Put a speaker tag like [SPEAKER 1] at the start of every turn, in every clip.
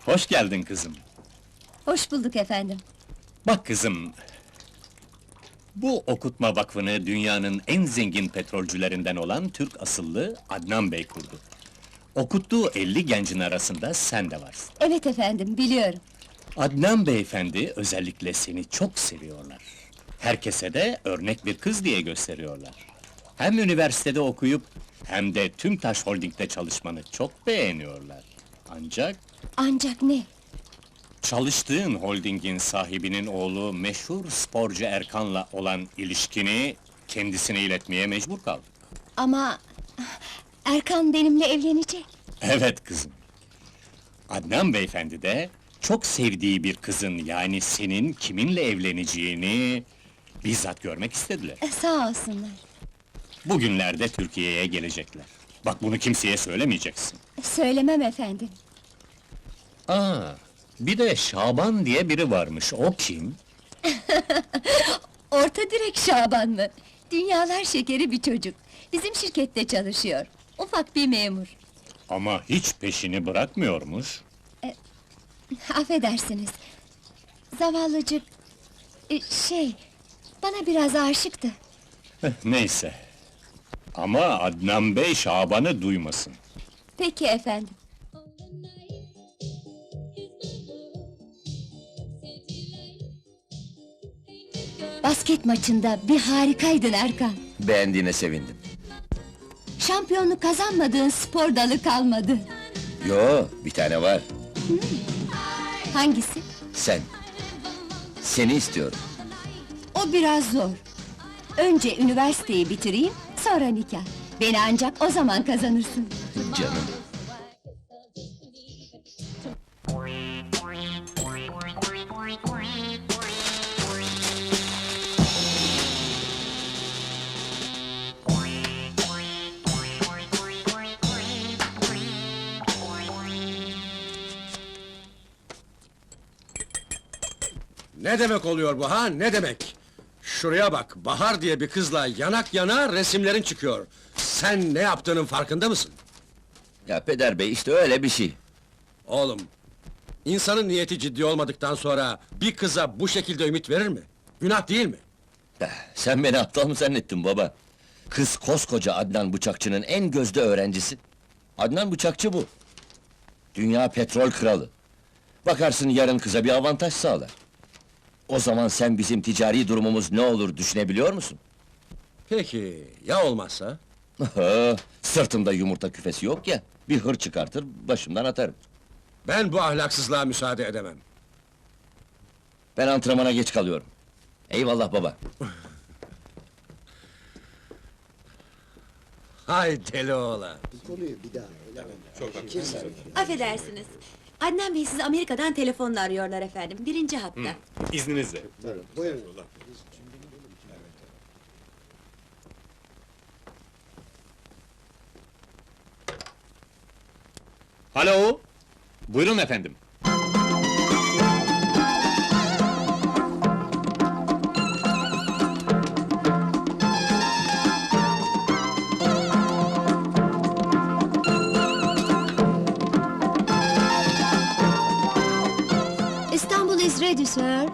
[SPEAKER 1] Hoş geldin kızım.
[SPEAKER 2] Hoş bulduk efendim.
[SPEAKER 1] Bak kızım... Bu okutma vakfını dünyanın en zengin petrolcülerinden olan Türk asıllı Adnan Bey kurdu. Okuttuğu 50 gencin arasında sen de varsın.
[SPEAKER 2] Evet efendim, biliyorum.
[SPEAKER 1] Adnan beyefendi özellikle seni çok seviyorlar. Herkese de örnek bir kız diye gösteriyorlar. Hem üniversitede okuyup hem de Tümtaş Holding'de çalışmanı çok beğeniyorlar.
[SPEAKER 2] Ancak ne?
[SPEAKER 1] Çalıştığın holdingin sahibinin oğlu meşhur sporcu Erkan'la olan ilişkini kendisine iletmeye mecbur kaldık.
[SPEAKER 2] Ama... Erkan benimle evlenecek.
[SPEAKER 1] Evet kızım. Adnan beyefendi de çok sevdiği bir kızın yani senin kiminle evleneceğini bizzat görmek istediler.
[SPEAKER 2] Sağ olsunlar.
[SPEAKER 1] Bugünlerde Türkiye'ye gelecekler. Bak bunu kimseye söylemeyeceksin.
[SPEAKER 2] Söylemem efendim.
[SPEAKER 1] Bir de Şaban diye biri varmış, o kim?
[SPEAKER 2] Orta direk Şaban mı? Dünyalar şekeri bir çocuk. Bizim şirkette çalışıyor. Ufak bir memur.
[SPEAKER 1] Ama hiç peşini bırakmıyormuş.
[SPEAKER 2] Affedersiniz. Zavallıcık... Bana biraz aşıktı.
[SPEAKER 1] Neyse. Ama Adnan Bey Şaban'ı duymasın.
[SPEAKER 2] Peki efendim. Basket maçında bir harikaydın Erkan.
[SPEAKER 3] Beğendiğine sevindim.
[SPEAKER 2] Şampiyonluk kazanmadığın spor dalı kalmadı.
[SPEAKER 3] Yo, bir tane var.
[SPEAKER 2] Hangisi?
[SPEAKER 3] Sen. Seni istiyorum.
[SPEAKER 2] O biraz zor. Önce üniversiteyi bitireyim, sonra nikah. Beni ancak o zaman kazanırsın.
[SPEAKER 3] Canım.
[SPEAKER 4] Ne demek oluyor bu ha, ne demek? Şuraya bak, Bahar diye bir kızla yanak yana resimlerin çıkıyor. Sen ne yaptığının farkında mısın?
[SPEAKER 3] Ya peder bey, işte öyle bir şey.
[SPEAKER 4] Oğlum, insanın niyeti ciddi olmadıktan sonra bir kıza bu şekilde ümit verir mi? Günah değil mi?
[SPEAKER 3] Sen beni aptal mı zannettin baba? Kız koskoca Adnan Bıçakçı'nın en gözde öğrencisi. Adnan Bıçakçı bu. Dünya petrol kralı. Bakarsın yarın kıza bir avantaj sağlar. O zaman sen bizim ticari durumumuz ne olur düşünebiliyor musun?
[SPEAKER 4] Peki, ya olmazsa?
[SPEAKER 3] Sırtımda yumurta küfesi yok ya, bir hır çıkartır, başımdan atarım.
[SPEAKER 4] Ben bu ahlaksızlığa müsaade edemem.
[SPEAKER 3] Ben antrenmana geç kalıyorum. Eyvallah baba.
[SPEAKER 4] Hay deli oğlan!
[SPEAKER 5] Affedersiniz. Adnan Bey sizi Amerika'dan telefonla arıyorlar efendim. Birinci hatta.
[SPEAKER 1] İzninizle. Alo! Buyurun efendim.
[SPEAKER 2] İstanbul is ready, sir.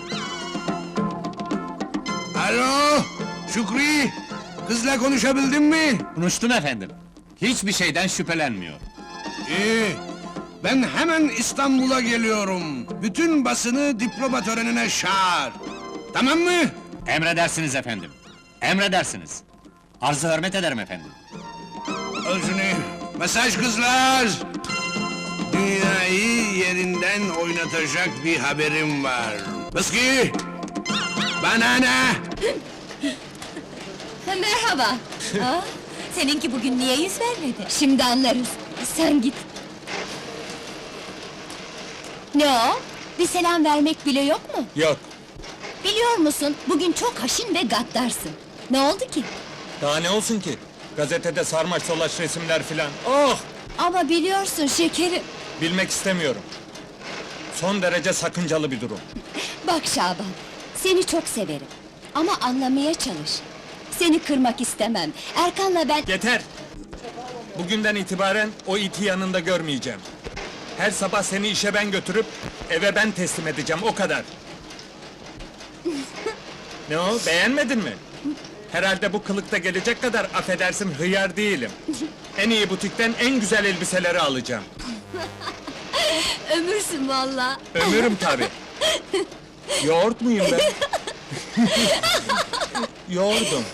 [SPEAKER 6] Alo, Şükrü! Kızla konuşabildin mi?
[SPEAKER 1] Konuştum efendim. Hiçbir şeyden şüphelenmiyor.
[SPEAKER 6] İyi, ben hemen İstanbul'a geliyorum. Bütün basını diploma törenine çağır. Tamam mı?
[SPEAKER 1] Emredersiniz efendim. Emredersiniz. Arz-ı hürmet ederim efendim.
[SPEAKER 6] Özünü, mesaj kızlar! Dünyayı yerinden oynatacak bir haberim var. Fıski! Bana ne?
[SPEAKER 2] Merhaba.
[SPEAKER 5] Seninki bugün niye yüz vermedi?
[SPEAKER 2] Şimdi anlarız. Sen git. Ne o? Bir selam vermek bile yok mu?
[SPEAKER 7] Yok,
[SPEAKER 2] Biliyor musun, bugün çok haşin ve gaddarsın. Ne oldu ki?
[SPEAKER 7] daha ne olsun ki? Gazetede sarmaş dolaş resimler filan. Oh!
[SPEAKER 2] Ama biliyorsun şekerim.
[SPEAKER 7] Bilmek istemiyorum. Son derece sakıncalı bir durum.
[SPEAKER 2] Bak Şaban, seni çok severim. Ama anlamaya çalış. Seni kırmak istemem. Erkan'la ben...
[SPEAKER 7] Yeter! Bugünden itibaren o iti yanında görmeyeceğim. Her sabah seni işe ben götürüp eve ben teslim edeceğim, o kadar. Ne o, beğenmedin mi? Herhalde bu kılıkta gelecek kadar affedersin hıyar değilim. En iyi butikten en güzel elbiseleri alacağım.
[SPEAKER 2] Ömürsün valla.
[SPEAKER 7] Ömürüm tabi. Yoğurt muyum ben? Yoğurdum.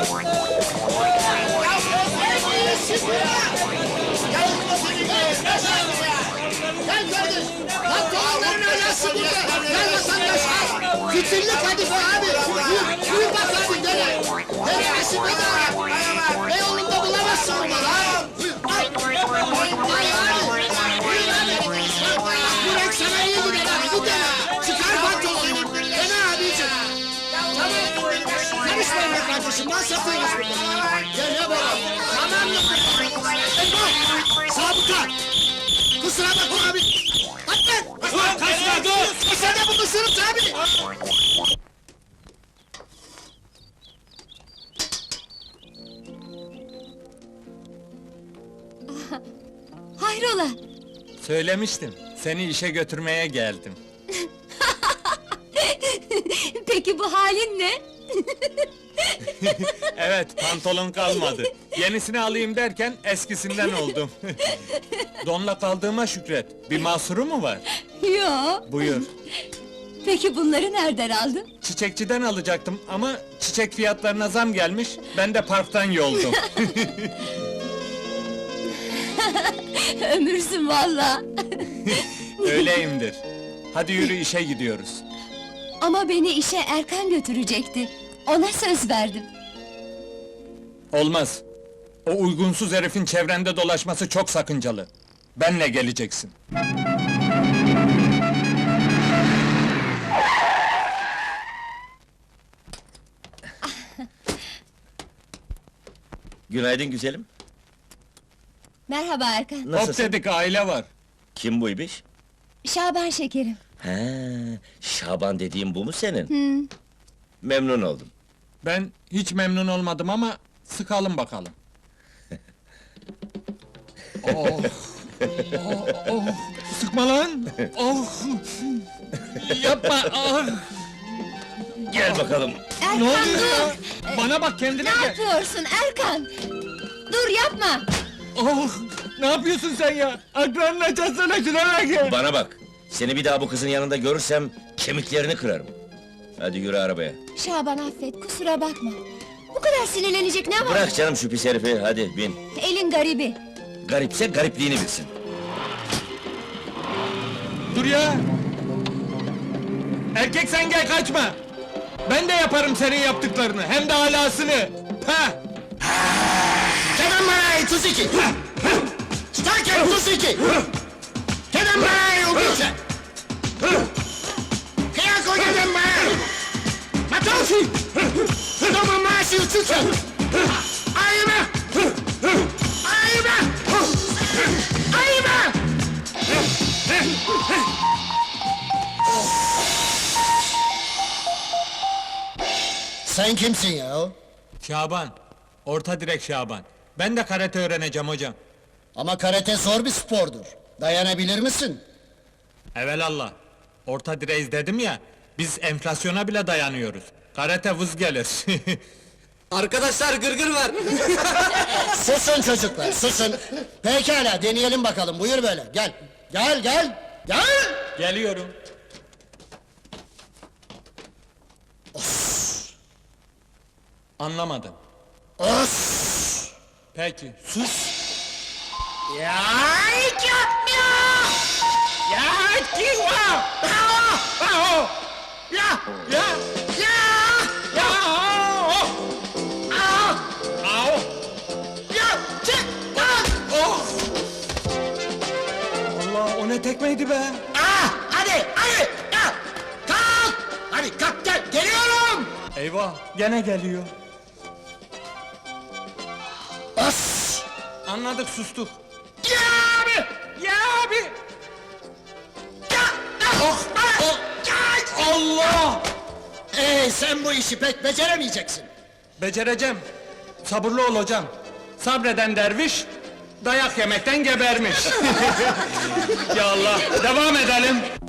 [SPEAKER 8] Pantolonların ayası burada! Gel vatandaş al! Fitilli kadife abi! Buyur bak abi gene! Denemesi bedava! Beyoğlu'nda bulamazsın bunu lan! Ay abi! Buyur abi! Bu renk sana iyi gider abi, bu dene! Çıkar pantolonu! Dene abicim! Tamam! Karışmayın be kardeşim, ben satıyoruz burada! Gel ya baba! Tamam mı? Eyvah! Sabıka! Kusura bakma abi! Atlan! Kaçma dur! Sen de bunu ısırıp abi!
[SPEAKER 2] Hayrola?
[SPEAKER 7] Söylemiştim, seni işe götürmeye geldim.
[SPEAKER 2] Peki bu halin ne?
[SPEAKER 7] Evet, pantolon kalmadı. Yenisini alayım derken eskisinden oldum. Donla kaldığıma şükret. Bir mahsuru mu var?
[SPEAKER 2] Yo.
[SPEAKER 7] Buyur.
[SPEAKER 2] Peki bunları nereden aldın?
[SPEAKER 7] Çiçekçiden alacaktım ama çiçek fiyatlarına zam gelmiş, ben de parktan yoldum.
[SPEAKER 2] Ömürsün valla.
[SPEAKER 7] Öyleyimdir. Hadi yürü, işe gidiyoruz.
[SPEAKER 2] Ama beni işe Erkan götürecekti. Ona söz verdim.
[SPEAKER 7] Olmaz. O uygunsuz herifin çevrende dolaşması çok sakıncalı. Benle geleceksin.
[SPEAKER 3] Günaydın güzelim.
[SPEAKER 2] Merhaba Erkan.
[SPEAKER 7] Hop
[SPEAKER 3] Nasılsın?
[SPEAKER 7] dedik, aile var.
[SPEAKER 3] Kim bu ibiş?
[SPEAKER 2] Şaban şekerim.
[SPEAKER 3] He, Şaban dediğim bu mu senin? Memnun oldum.
[SPEAKER 7] Ben hiç memnun olmadım ama sıkalım bakalım. Oh! Oh! Sıkma lan! Oh! Yapma! Ah!
[SPEAKER 3] Gel bakalım.
[SPEAKER 2] Erkan
[SPEAKER 7] Ne oluyor
[SPEAKER 2] dur!
[SPEAKER 7] ya? Bana bak, kendine
[SPEAKER 2] Ne
[SPEAKER 7] gel!
[SPEAKER 2] yapıyorsun Erkan? Dur yapma!
[SPEAKER 7] Oh! Ne yapıyorsun sen ya? Akranını açarsana, şuna gel!
[SPEAKER 3] Bana bak. Seni bir daha bu kızın yanında görürsem kemiklerini kırarım. Hadi yürü arabaya.
[SPEAKER 2] Şaban affet, kusura bakma. Bu kadar sinirlenecek ne var?
[SPEAKER 3] Bırak canım şu pis herifi, hadi bin.
[SPEAKER 2] Elin garibi.
[SPEAKER 3] Garipse garipliğini bilsin.
[SPEAKER 7] Dur ya! Erkek sen gel, kaçma! Ben de yaparım senin yaptıklarını, hem de alasını! Ha!
[SPEAKER 8] Kenan Baray 32! Starker 32! Kenan Baray 32! Kıyako Kenan Baray! Matoshi! Toma Masi 32! Ayıma! Ayıma! Ayıma! Sen kimsin ya?
[SPEAKER 7] Şaban, orta direk Şaban. Ben de karate öğreneceğim hocam.
[SPEAKER 8] Ama karate zor bir spordur. Dayanabilir misin?
[SPEAKER 7] Evelallah, orta direğiz dedim ya, biz enflasyona bile dayanıyoruz. Karate vız gelir.
[SPEAKER 4] Arkadaşlar gırgır var!
[SPEAKER 8] Susun çocuklar, susun! Pekala, deneyelim bakalım, buyur böyle, gel! Gel, gel! Gel!
[SPEAKER 7] Geliyorum. Anlamadım.
[SPEAKER 8] Os!
[SPEAKER 7] Peki, sus!
[SPEAKER 8] Ya hiç yapmıyor! Ya kim var? Ya!
[SPEAKER 7] Ya!
[SPEAKER 8] Ya!
[SPEAKER 7] Ya! Au!
[SPEAKER 8] Ya! Çık!
[SPEAKER 7] Oh! Allah, o ne tekmeydi be!
[SPEAKER 8] Hadi! Ya! Kalk! Hadi kalk gel, geliyorum!
[SPEAKER 7] Eyvah, gene geliyor.
[SPEAKER 8] Os!
[SPEAKER 7] Anladık, sustuk.
[SPEAKER 8] Ya abi!
[SPEAKER 7] Ya abi!
[SPEAKER 8] Ya! Oh!
[SPEAKER 7] Allah!
[SPEAKER 8] Sen bu işi pek beceremeyeceksin.
[SPEAKER 7] Becereceğim. Sabırlı ol hocam. Sabreden derviş, dayak yemekten gebermiş. Ya Allah, devam edelim.